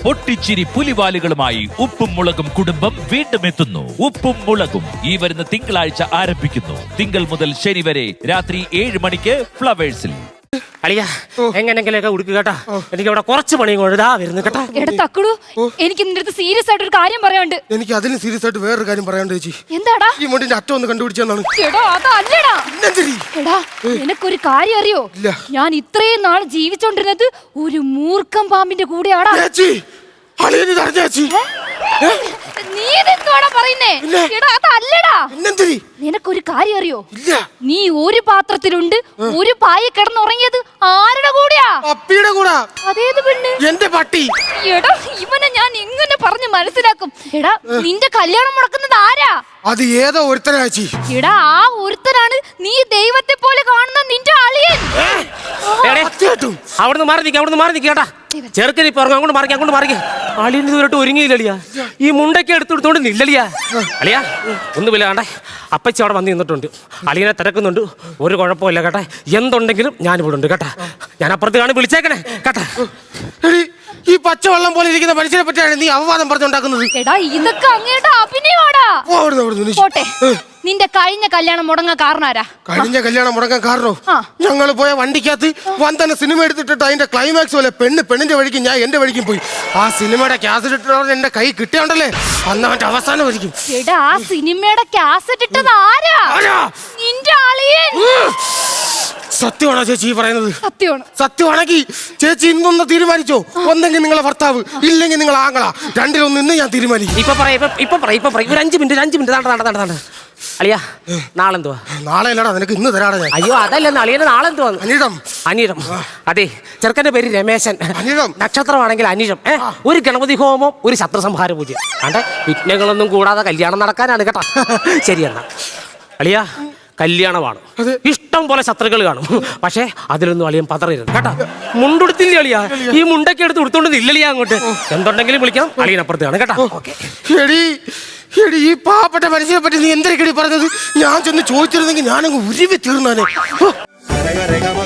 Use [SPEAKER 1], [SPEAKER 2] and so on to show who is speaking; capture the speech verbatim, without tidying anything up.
[SPEAKER 1] പൊട്ടിച്ചിരി പുലിവാലുകളുമായി ഉപ്പും മുളകും കുടുംബം വീണ്ടും എത്തുന്നു. ഉപ്പും മുളകും ഈ വരുന്ന തിങ്കളാഴ്ച ആരംഭിക്കുന്നു. തിങ്കൾ മുതൽ ശനി വരെ രാത്രി ഏഴ് മണിക്ക് ഫ്ലവേഴ്സിൽ.
[SPEAKER 2] അളിയ എങ്ങനെങ്കിലൊക്കെ ഉടുക്കുക കേട്ടാ. എനിക്ക് അവിടെ കുറച്ച് പണിയും കൊണ്ടാ വരുന്നു കേട്ടാ.
[SPEAKER 3] എടാ തക്കുടു, എനിക്ക് നിന്റെ അടുത്ത് സീരിയസ് ആയിട്ട് ഒരു കാര്യം പറയാനുണ്ട്.
[SPEAKER 4] എനിക്ക് അതിന് സീരിയസ് ആയിട്ട് വേറൊരു കാര്യം പറയാണ്ട് ചേച്ചി.
[SPEAKER 3] എന്താടാ?
[SPEAKER 4] ഈ മുണ്ടിന്റെ അറ്റം ഒന്ന് കണ്ടുപിടിച്ചെന്നാണ്.
[SPEAKER 3] എടാ അതല്ലടാ. എടാ നിനക്കൊരു കാര്യം അറിയോ? ഞാൻ ഇത്രയും നാൾ ജീവിച്ചോണ്ടിരുന്നത് ഒരു മൂർഖം പാമ്പിന്റെ കൂടെയാടാ. നീ ഇതെന്തുവാടാ പറയുന്നേ? എടാ അതല്ലടാ. നിനക്കൊരു കാര്യം അറിയോ? നീ ഒരു പാത്രത്തിലുണ്ട് ഒരു പായ കിടന്നുറങ്ങിയത് ആരുടെ കൂടെയാ?
[SPEAKER 4] പപ്പിയുടെ കൂടെ.
[SPEAKER 3] അതേത് പെണ്ണ്?
[SPEAKER 4] എന്റെ പട്ടി.
[SPEAKER 3] എടാ ഇവനെ ഞാൻ എങ്ങനെ പറഞ്ഞു മനസ്സിലാക്കും? എടാ നിന്റെ കല്യാണം മുടക്കുന്നത് ആരാ?
[SPEAKER 4] അത് ഏതോ ഒരുത്തനാച്ചി.
[SPEAKER 3] എടാ ആ ഒരുത്തനാണ് നീ ദൈവത്തെ പോലെ കാണുന്ന നിന്റെ അളിയൻ.
[SPEAKER 2] അവിടുന്ന് മാറി നിൽക്കുക, അവിടുന്ന് മാറി നിൽക്കുക കേട്ടാ. ചെറുക്കൻ ഇപ്പൊ ഇറങ്ങും. അങ്ങോട്ട് മാറിക്ക, അങ്ങോട്ട് മാറിക്ക. അളിയൻ ഇതുവരെട്ട് ഒരുങ്ങിയില്ലളിയാ. ഈ മുണ്ടൊക്കെ എടുത്തെടുത്തോണ്ട് നില്ലളിയാ. അളിയാ ഒന്നുമില്ല കണ്ടേ. അപ്പച്ചി അവിടെ വന്ന് നിന്നിട്ടുണ്ട്. അളിയനെ തിരക്കുന്നുണ്ട്. ഒരു കുഴപ്പമില്ല കേട്ടാ. എന്തുണ്ടെങ്കിലും ഞാൻ ഇവിടെ ഉണ്ട് കേട്ടാ. ഞാൻ അപ്പുറത്ത് കാണി വിളിച്ചേക്കണേ കേട്ടാ.
[SPEAKER 4] ഈ പച്ചവെള്ളം പോലെ ഇരിക്കുന്ന മനുഷ്യനെ പറ്റിയാണ് നീ അവവാദം പറഞ്ഞുണ്ടാക്കുന്നത്.
[SPEAKER 3] എടാ ഇതൊക്കെ അങ്ങേട്ടാ അഭിനയമാടാ. പോട്ടെ, നിന്റെ കഴിഞ്ഞ കല്യാണം മുടങ്ങാൻ കാരണാരാ?
[SPEAKER 4] കഴിഞ്ഞ കല്യാണം മുടങ്ങാൻ കാരണോ? ഞങ്ങൾ പോയ വണ്ടിക്കകത്ത് വന്തന സിനിമ എടുത്തിട്ട് അതിന്റെ ക്ലൈമാക്സ് പോലെ പെണ്ണ് പെണ്ണിന്റെ വഴിക്കും ഞാൻ എന്റെ വഴിക്കും പോയി. ആ സിനിമയുടെ കാസറ്റ് ഇട്ടവർ എന്റെ കൈ കിട്ടിയോണ്ടല്ലേ അന്ന് അവന്റെ അവസാനം വരിക്കും.
[SPEAKER 3] എടാ ആ സിനിമയുടെ കാസറ്റ് ഇട്ടത് ആരാ? നിന്റെ അളിയൻ.
[SPEAKER 4] സത്യമാണോ ചേച്ചി പറയുന്നത്?
[SPEAKER 3] സത്യമാണ്.
[SPEAKER 4] സത്യമാണെങ്കിൽ ചേച്ചി ഇന്നൊന്ന് തീരുമാനിച്ചോ. ഒന്നെങ്കിൽ നിങ്ങളെ ഭർത്താവ്, ഇല്ലെങ്കിൽ നിങ്ങൾ ആങ്ങളാ. രണ്ടിലൊന്ന് ഇന്ന് ഞാൻ തീരുമാനിക്കും.
[SPEAKER 2] ഇപ്പൊ പറയാ ഇപ്പൊ പറയാ ഇപ്പൊ പറയാം. ഒരു അഞ്ച് മിനിറ്റ് അഞ്ച് മിനിറ്റ് നട നട നട അളിയാ നാളെന്തുവാ?
[SPEAKER 4] നാളെ അല്ലടാ, നിനക്ക് ഇന്ന് തരാടാ ഞാൻ.
[SPEAKER 2] അയ്യോ അതല്ല അളിയന് നാളെന്തുവാ?
[SPEAKER 4] അനിഴം.
[SPEAKER 2] അനിഴം. അതെ, ചെറുക്കന്റെ പേര് രമേശൻ.
[SPEAKER 4] അനിഴം
[SPEAKER 2] നക്ഷത്രമാണെങ്കിൽ അനിഴം. ഒരു ഗണപതി ഹോമം, ഒരു ശത്രു സംഹാര പൂജ. അതെ, വിഘ്നങ്ങളൊന്നും കൂടാതെ കല്യാണം നടക്കാനാണ് കേട്ടാ. ശരിയെന്നാ അളിയാ, കല്യാണമാണ്. ഇഷ്ടം പോലെ ശത്രുക്കൾ കാണും. പക്ഷേ അതിലൊന്നും അളിയൻ പതറരുത് കേട്ടാ. മുണ്ടുടുത്തില്ല അളിയാ. ഈ മുണ്ടൊക്കെ എടുത്ത് ഉടുത്തോണ്ട് ഇല്ലളിയാ അങ്ങോട്ട്. എന്തുണ്ടെങ്കിലും വിളിക്കണം. അളിയനപ്പുറത്ത് കാണും കേട്ടാ.
[SPEAKER 4] എടി എടി ഈ പാവപ്പെട്ട മനുഷ്യനെ പറ്റി നീ എന്തൊക്കെയാണ് പറഞ്ഞത്? ഞാൻ ചെന്ന് ചോദിച്ചിരുന്നെങ്കിൽ ഞാനങ്ങ് ഉരുവി തീർന്നാനേ.